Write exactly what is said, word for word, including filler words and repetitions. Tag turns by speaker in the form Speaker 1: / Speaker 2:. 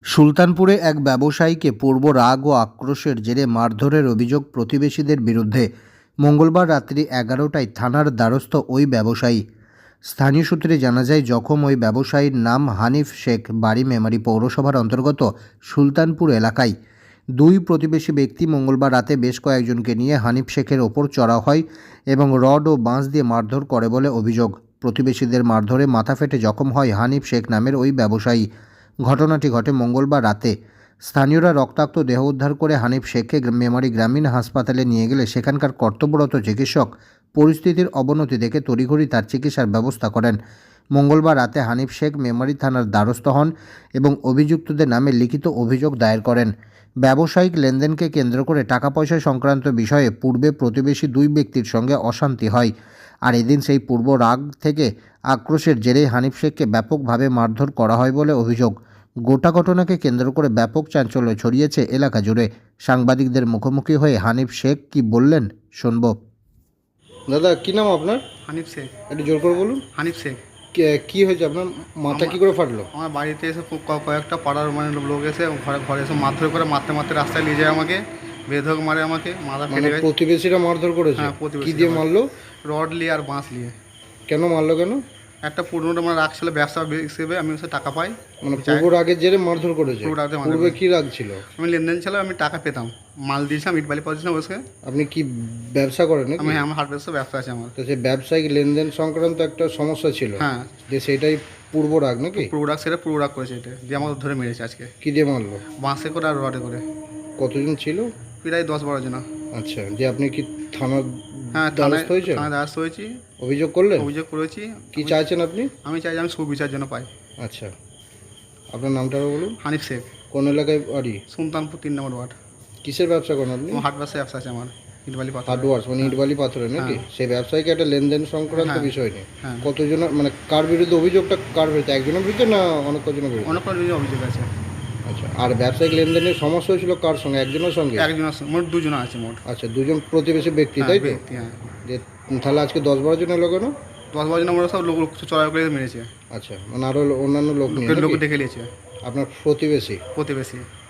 Speaker 1: সুলতানপুরে এক ব্যবসায়ীকে পূর্ব রাগ ও আক্রোশের জেরে মারধরের অভিযোগ প্রতিবেশীদের বিরুদ্ধে। মঙ্গলবার রাত্রি এগারোটায় থানার দ্বারস্থ ওই ব্যবসায়ী। স্থানীয় সূত্রে জানা যায়, জখম ওই ব্যবসায়ীর নাম হানিফ শেখ, বাড়ি মেমারি পৌরসভার অন্তর্গত সুলতানপুর এলাকায়। দুই প্রতিবেশী ব্যক্তি মঙ্গলবার রাতে বেশ কয়েকজনকে নিয়ে হানিফ শেখের ওপর চড়াও হয় এবং রড ও বাঁশ দিয়ে মারধর করে বলে অভিযোগ। প্রতিবেশীদের মারধরে মাথা ফেটে জখম হয় হানিফ শেখ নামের ওই ব্যবসায়ী। ঘটনাটি ঘটে মঙ্গলবার রাতে। স্থানীয়রা রক্তাক্ত দেহ উদ্ধার করে হানিফ শেখকে মেমারি গ্রামীণ হাসপাতালে নিয়ে গেলে সেখানকার কর্তব্যরত চিকিৎসক পরিস্থিতির অবনতি দেখে তড়িঘড়ি তার চিকিৎসার ব্যবস্থা করেন। মঙ্গলবার রাতে হানিফ শেখ মেমারি থানার দ্বারস্থ হন এবং অভিযুক্তদের নামে লিখিত অভিযোগ দায়ের করেন। ব্যবসায়িক লেনদেনকে কেন্দ্র করে টাকা পয়সা সংক্রান্ত বিষয়ে পূর্বে প্রতিবেশী দুই ব্যক্তির সঙ্গে অশান্তি হয়, আর এদিন সেই পূর্ব রাগ থেকে আক্রোশের জেরে হানিফ শেখকে ব্যাপকভাবে মারধর করা হয় বলে অভিযোগ। গোটা ঘটনাকে কেন্দ্র করে ব্যাপক চাঞ্চল্য ছড়িয়েছে এলাকা জুড়ে। সাংবাদিকদের মুখোমুখি হয়ে হানিফ শেখ কি বললেন শুনব। দাদা, কি নাম আপনার?
Speaker 2: হানিফ শেখ।
Speaker 1: একটু জোর করে বলুন।
Speaker 2: হানিফ শেখ।
Speaker 1: কে- কি হয়েছে আপনার? মাথা কি করে ফাটলো?
Speaker 2: আমার বাড়িতে এসে খুব ক- কয়েকটা পাড়ার মানে লোক এসে ঘরে ঘরে এসে মারধর করে মারতে মারতে রাস্তায় নিয়ে যায় আমাকে, বেধক মারে আমাকে, মাথা
Speaker 1: মানে
Speaker 2: ফেটে গেছে।
Speaker 1: প্রতিবেশীরা মারধর করেছে?
Speaker 2: হ্যাঁ,
Speaker 1: কি
Speaker 2: প্রতিবেশীরা
Speaker 1: দিয়ে মারলো?
Speaker 2: রড নিয়ে আর বাঁশ নিয়ে।
Speaker 1: কেন মারলো? কেন?
Speaker 2: একটা পুরনো মানে রাখছিল ব্যবসা হিসেবে, আমি ওসে টাকা পাই।
Speaker 1: মানে পূর্ব রাগের জেরে মারধর করেছে?
Speaker 2: পূর্ব রাগের মারধর
Speaker 1: পূর্বে
Speaker 2: করেছে।
Speaker 1: কি রাগ ছিল?
Speaker 2: আমি লেনদেন ছিল, আমি টাকা পেতাম, মাল দিয়েছিলাম, ইট বালি পাচ্ছিলাম ওসে।
Speaker 1: আপনি কি ব্যবসা করেন নাকি?
Speaker 2: আমি আমার হাট ব্যবসা ব্যবসা আছে আমার।
Speaker 1: তো সেই ব্যবসায়িক লেনদেন সংক্রান্ত একটা সমস্যা ছিল,
Speaker 2: হ্যাঁ,
Speaker 1: যে সেটাই পূর্ব রাগ নাকি?
Speaker 2: পুরো রাগ সেটা পুরো রাগ করেছে, এটা দিয়ে আমাকে ধরে মেরেছে আজকে।
Speaker 1: কি দিয়ে মারলো?
Speaker 2: বাঁশে করে আর রডে করে।
Speaker 1: কতজন ছিল?
Speaker 2: প্রায় দশ বারো জন।
Speaker 1: আচ্ছা, যে আপনি কি থানার
Speaker 2: হ্যাঁ, থানায়
Speaker 1: দ্বারস্থ হয়েছেন?
Speaker 2: থানায় দ্বারস্থ হয়েছি,
Speaker 1: অভিযোগ করলেন?
Speaker 2: অভিযোগ করেছি।
Speaker 1: কি চাইছেন আপনি?
Speaker 2: আমি চাই যে আমি সুবিচার জন্য পাই।
Speaker 1: আচ্ছা, আপনার নামটা বলুন।
Speaker 2: হানিফ শেখ,
Speaker 1: কোন এলাকায় বাড়ি?
Speaker 2: সুলতানপুর তিন নম্বর ওয়ার্ড।
Speaker 1: কিসের ব্যবসা করেন আপনি?
Speaker 2: আমার হাট ব্যবসা ব্যবসা আছে আমার, ইটবালি পাথর।
Speaker 1: হার্ডওয়ার্স মানে ইটবালি পাথরে নাকি?
Speaker 2: হ্যাঁ।
Speaker 1: সেই ব্যবসায়ীকে একটা লেনদেন সংক্রান্ত
Speaker 2: হ্যাঁ।
Speaker 1: বিষয় নেই?
Speaker 2: হ্যাঁ,
Speaker 1: কতজন, মানে কার বিরুদ্ধে অভিযোগটা? কার বিরুদ্ধে? একজনের বিরুদ্ধে না অনেক কজনের বিরুদ্ধে?
Speaker 2: অনেক রকম অভিযোগ আছে।
Speaker 1: আচ্ছা, আর ব্যবসায়িক লেনদেনের সমস্যা হয়েছিল কার সঙ্গে? একজনের সঙ্গে?
Speaker 2: একজন আছে, মোট দুজন আছে মোট।
Speaker 1: আচ্ছা, দুজন প্রতিবেশী ব্যক্তি,
Speaker 2: হ্যাঁ,
Speaker 1: তাই তো?
Speaker 2: ব্যক্তি, হ্যাঁ।
Speaker 1: যে তাহলে আজকে দশ বারো জন এলো কেন?
Speaker 2: দশ বারো জন আমরা সব লোক চড়াই করে মেরেছে,
Speaker 1: আচ্ছা, মানে আরো অন্যান্য লোক নিয়ে
Speaker 2: লোক
Speaker 1: নাকি?
Speaker 2: ডেকে নিয়েছে।
Speaker 1: আপনার প্রতিবেশী?
Speaker 2: প্রতিবেশী।